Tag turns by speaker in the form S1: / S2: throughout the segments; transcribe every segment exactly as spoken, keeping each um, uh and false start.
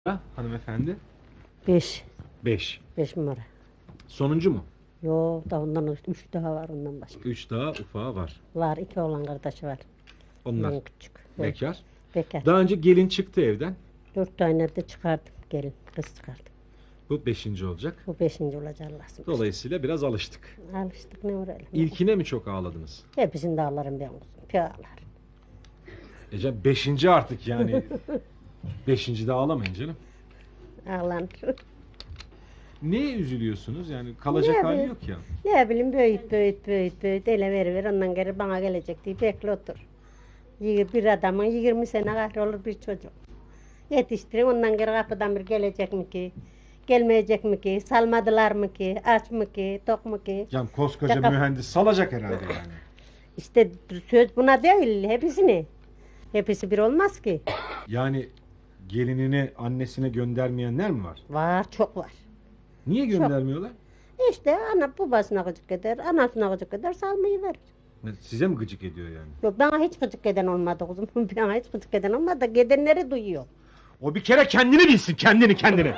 S1: Ha, hanımefendi?
S2: Beş.
S1: Beş.
S2: Beş numara.
S1: Sonuncu mu?
S2: Yo da ondan üç daha var ondan başka.
S1: Üç daha ufağı var.
S2: Var iki oğlan kardeşi var.
S1: Onlar
S2: Ondan küçük. Evet,
S1: bekar.
S2: Bekar.
S1: Daha önce gelin çıktı evden.
S2: Dört tane de çıkardım gelin. Kız çıkardım.
S1: Bu beşinci olacak.
S2: Bu beşinci olacak Allah'ın.
S1: Dolayısıyla biraz alıştık.
S2: Alıştık ne uğrayalım.
S1: İlkine mi çok ağladınız?
S2: Hepsini de ağlarım ben kuzum. Pü ağlar.
S1: Ece beşinci artık yani. Beşinci de ağlamayın canım.
S2: Ağlanır.
S1: Neye üzülüyorsunuz? Yani kalacak
S2: Ne
S1: hali
S2: bileyim.
S1: yok ya.
S2: Ne bileyim büyüt büyüt büyüt büyüt. Ele ver ver ondan geri bana gelecek diye bekle otur. Yir- Bir adamın yirmi sene kahrolur bir çocuk. Yetiştirin ondan geri kapıdan bir gelecek mi ki? Gelmeyecek mi ki? Salmadılar mı ki? Aç mı ki? Tok mu ki?
S1: Yani koskoca
S2: Şaka.
S1: mühendis salacak herhalde yani.
S2: İşte söz buna değil hepsini. Hepsi bir olmaz ki.
S1: Yani gelinini annesine göndermeyenler mi var?
S2: Var çok var.
S1: Niye göndermiyorlar?
S2: İşte ana babasına gıcık eder, anasına gıcık eder, salmayı verir.
S1: Size mi gıcık ediyor yani?
S2: Yok bana hiç gıcık eden olmadı kuzum. Bana hiç gıcık eden olmadı. Gidenleri duyuyor.
S1: O bir kere kendini bilsin, kendini kendini.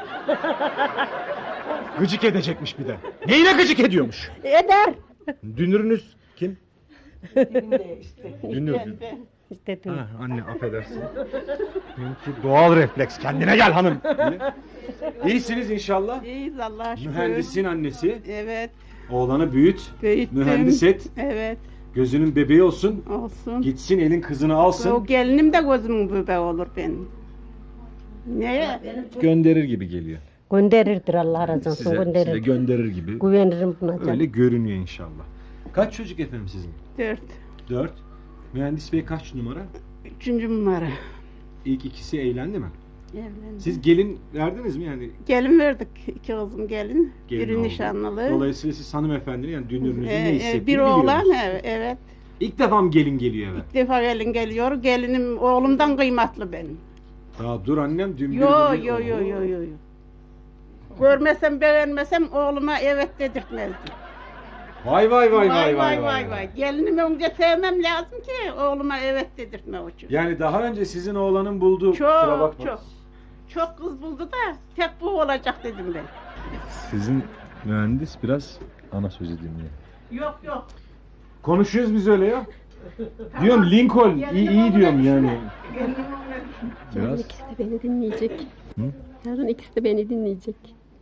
S1: Gıcık edecekmiş bir de. Neyine gıcık ediyormuş?
S2: Eder.
S1: Dünürünüz kim? Dünür.
S2: İşte dün.
S1: Ha, anne affedersin. Benimki doğal refleks. Kendine gel hanım. İyisiniz inşallah.
S3: İyiyiz Allah'a şükür.
S1: Mühendisin annesi.
S3: Evet.
S1: Oğlanı büyüt.
S3: Büyüttüm.
S1: Mühendis et.
S3: Evet.
S1: Gözünün bebeği olsun.
S3: Olsun.
S1: Gitsin elin kızını alsın.
S3: O gelinim de gözümün bebeği olur benim. Neye?
S1: Gönderir gibi geliyor.
S2: Gönderirdir Allah razı olsun.
S1: Size, size
S2: Gönderir.
S1: gönderir gibi.
S2: Güvenirim buna canım.
S1: Öyle görünüyor inşallah. Kaç çocuk efendim sizin?
S3: Dört.
S1: Dört. Mühendis bey kaç numara?
S3: Üçüncü numara.
S1: İlk ikisi evlendi mi?
S3: Evlendim.
S1: Siz gelin verdiniz mi yani?
S3: Gelin verdik. İki kızım gelin.
S1: Gelin
S3: Biri
S1: oldu.
S3: nişanlılı.
S1: Dolayısıyla siz hanımefendinin yani dünürünüzün
S3: Ee,
S1: ne
S3: e,
S1: hissettiğini
S3: bir oğlan
S1: biliyorsunuz.
S3: evet, evet.
S1: İlk defa mı gelin geliyor eve?
S3: Bir defa gelin geliyor. Gelinim oğlumdan kıymetli benim.
S1: Daha dur annem dün bir
S3: Yo
S1: dedi,
S3: yo yo
S1: oho.
S3: yo yo. yo. Görmesem beğenmesem oğluma evet dedirtmezdim.
S1: Vay vay vay
S3: Vay vay vay vay. Gelinimi önce sevmem lazım ki oğluma evet dedirtme o için.
S1: Yani daha önce sizin oğlanın bulduğu kusura
S3: Çok
S1: bakma.
S3: çok. Çok kız buldu da tek bu olacak dedim ben.
S1: Sizin mühendis biraz ana sözü dinliyor.
S3: Yok yok.
S1: Konuşuyoruz biz öyle ya. Diyorum Lincoln iyi iyi diyorum yani.
S3: Gelinim öyle.
S1: Biraz.
S4: İkisi de beni dinleyecek.
S1: Hı?
S4: Yarın ikisi de beni dinleyecek.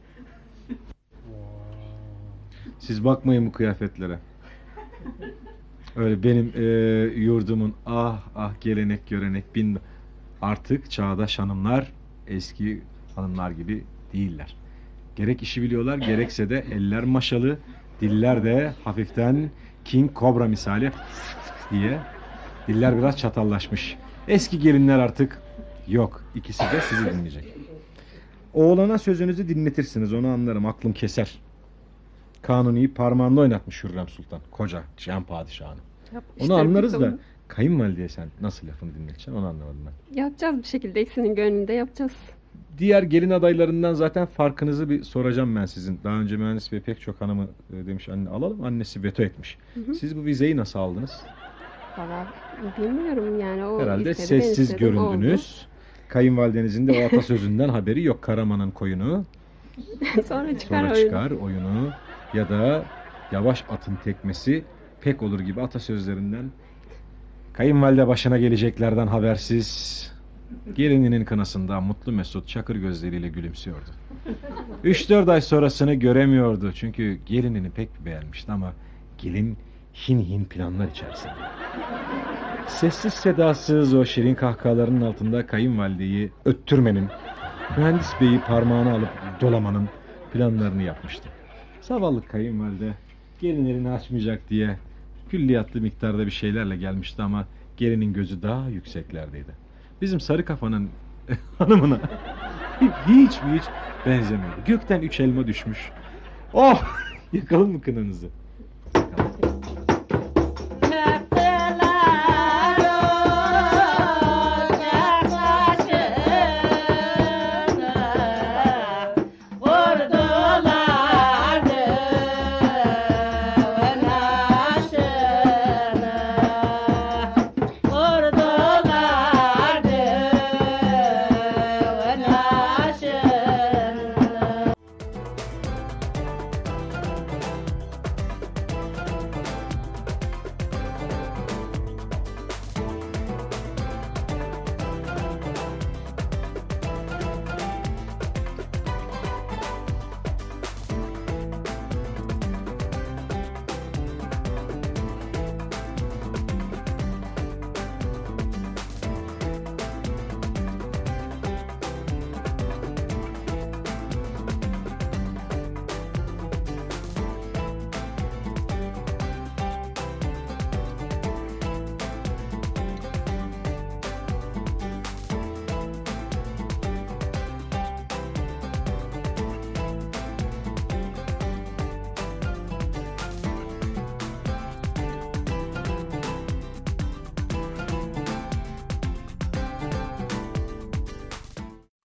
S1: Siz bakmayın bu kıyafetlere. Öyle benim e, yurdumun ah ah gelenek görenek bin artık çağdaş hanımlar eski hanımlar gibi değiller. Gerek işi biliyorlar gerekse de eller maşalı, diller de hafiften King Cobra misali diye diller biraz çatallaşmış. Eski gelinler artık yok. İkisi de sizi dinleyecek. Oğlana sözünüzü dinletirsiniz onu anlarım aklım keser. Kanuni'yi parmağında oynatmış Hürrem Sultan. Koca Cihan Padişah'ını.
S4: Yap,
S1: Onu
S4: işte
S1: anlarız
S4: biz
S1: da
S4: onu
S1: kayınvalideye sen nasıl lafını dinleteceksin onu anlamadım ben.
S4: yapacağız bir şekilde ikisinin gönlünde yapacağız.
S1: Diğer gelin adaylarından zaten farkınızı bir soracağım ben sizin. Daha önce mühendis bey pek çok hanımı e, demiş anne alalım annesi veto etmiş.
S4: hı.
S1: Siz bu vizeyi nasıl aldınız?
S4: Valla bilmiyorum yani o
S1: Herhalde
S4: istedi, ben
S1: sessiz
S4: istedim,
S1: göründünüz. Kayınvalidenizin de o atasözünden haberi yok. Karaman'ın koyunu
S4: oldu. Sonra çıkar
S1: sonra
S4: oyunu.
S1: çıkar oyunu ya da yavaş atın tekmesi pek olur gibi atasözlerinden kayınvalide başına geleceklerden habersiz gelininin kınasında mutlu mesut çakır gözleriyle gülümsüyordu. üç dört ay sonrasını göremiyordu çünkü gelinini pek beğenmişti ama gelin hin hin planlar içerisinde. Sessiz sedasız o şirin kahkahalarının altında kayınvalideyi öttürmenin, mühendis beyi parmağına alıp dolamanın planlarını yapmıştı. Zavallı kayınvalide gelin elini açmayacak diye külliyatlı miktarda bir şeylerle gelmişti ama gelinin gözü daha yükseklerdeydi. Bizim sarı kafanın hanımına hiç mi hiç benzemiyordu. Gökten üç elma düşmüş. Oh! Yakalım mı kınanızı?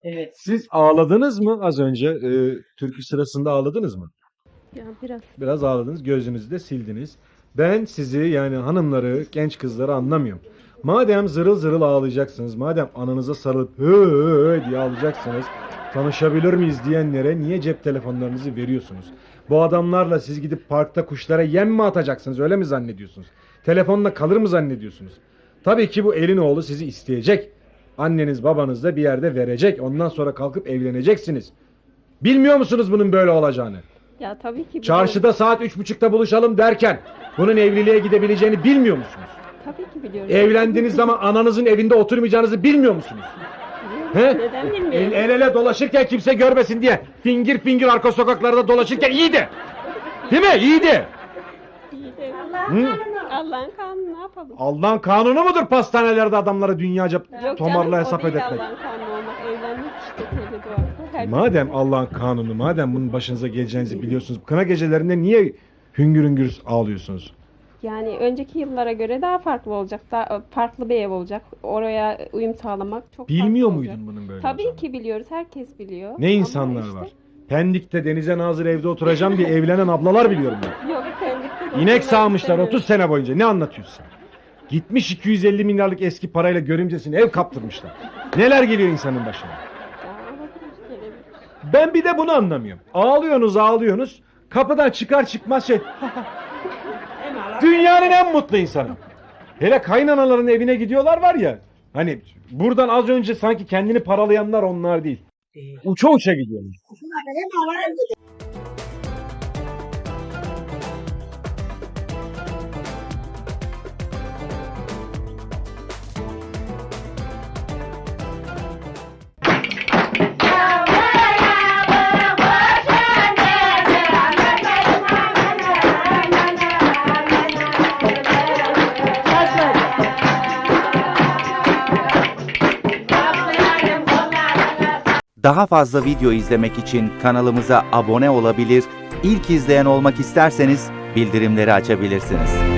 S5: Evet.
S1: Siz ağladınız mı az önce? E, türkü sırasında ağladınız mı?
S4: Ya biraz.
S1: Biraz ağladınız, gözünüzü de sildiniz. Ben sizi yani hanımları, genç kızları anlamıyorum. Madem zırıl zırıl ağlayacaksınız, madem ananıza sarılıp hı hı diye ağlayacaksınız, tanışabilir miyiz diyenlere niye cep telefonlarınızı veriyorsunuz? Bu adamlarla siz gidip parkta kuşlara yem mi atacaksınız, öyle mi zannediyorsunuz? Telefonla kalır mı zannediyorsunuz? Tabii ki bu elin oğlu sizi isteyecek. Anneniz babanız da bir yerde verecek. Ondan sonra kalkıp evleneceksiniz. Bilmiyor musunuz bunun böyle olacağını?
S4: Ya tabii ki biliyorum.
S1: Çarşıda saat üç buçukta buluşalım derken bunun evliliğe gidebileceğini bilmiyor musunuz?
S4: Tabii ki biliyorum.
S1: Evlendiğiniz zaman ananızın evinde oturmayacağınızı bilmiyor musunuz? He?
S4: Neden
S1: El,
S4: bilmiyorum?
S1: el ele dolaşırken kimse görmesin diye fingir fingir arka sokaklarda dolaşırken iyiydi. Değil mi? İyiydi.
S4: İyi de
S1: Hı?
S4: Allah'ın kanunu ne yapalım?
S1: Allah'ın kanunu mudur pastanelerde adamlara dünyaca
S4: Yok
S1: tomarla
S4: canım,
S1: hesap
S4: o değil
S1: ödetmek?
S4: Allah'ın kanunu olmak. Evlenmek işte tevhid var. Her
S1: Madem Allah'ın kanunu, madem bunun başınıza geleceğinizi biliyorsunuz, kına gecelerinde niye hüngür hüngür ağlıyorsunuz?
S4: Yani önceki yıllara göre daha farklı olacak. Daha farklı bir ev olacak. Oraya uyum sağlamak çok
S1: Bilmiyor
S4: farklı olacak.
S1: muydun bunun böyle
S4: Tabii
S1: olacağını?
S4: ki biliyoruz. Herkes biliyor.
S1: Ne
S4: Ama
S1: insanlar
S4: işte-
S1: var. Pendik'te denize nazır evde oturacağım diye evlenen ablalar biliyorum ben.
S4: Yok Pendik'te de
S1: İnek
S4: oturmak
S1: sağmışlar
S4: istemiyorum.
S1: otuz sene boyunca. Ne anlatıyorsun sen? Gitmiş iki yüz elli milyarlık eski parayla görümcesine ev kaptırmışlar. Neler geliyor insanın başına?
S4: Ya, olabilir, gelebilir.
S1: Ben bir de bunu anlamıyorum. Ağlıyorsunuz ağlıyorsunuz. Kapıdan çıkar çıkmaz şey. Dünyanın en mutlu insanı. Hele kaynanaların evine gidiyorlar var ya. Hani buradan az önce sanki kendini paralayanlar onlar değil. Uça uça gidiyorlar.
S6: Daha fazla video izlemek için kanalımıza abone olabilir, ilk izleyen olmak isterseniz bildirimleri açabilirsiniz.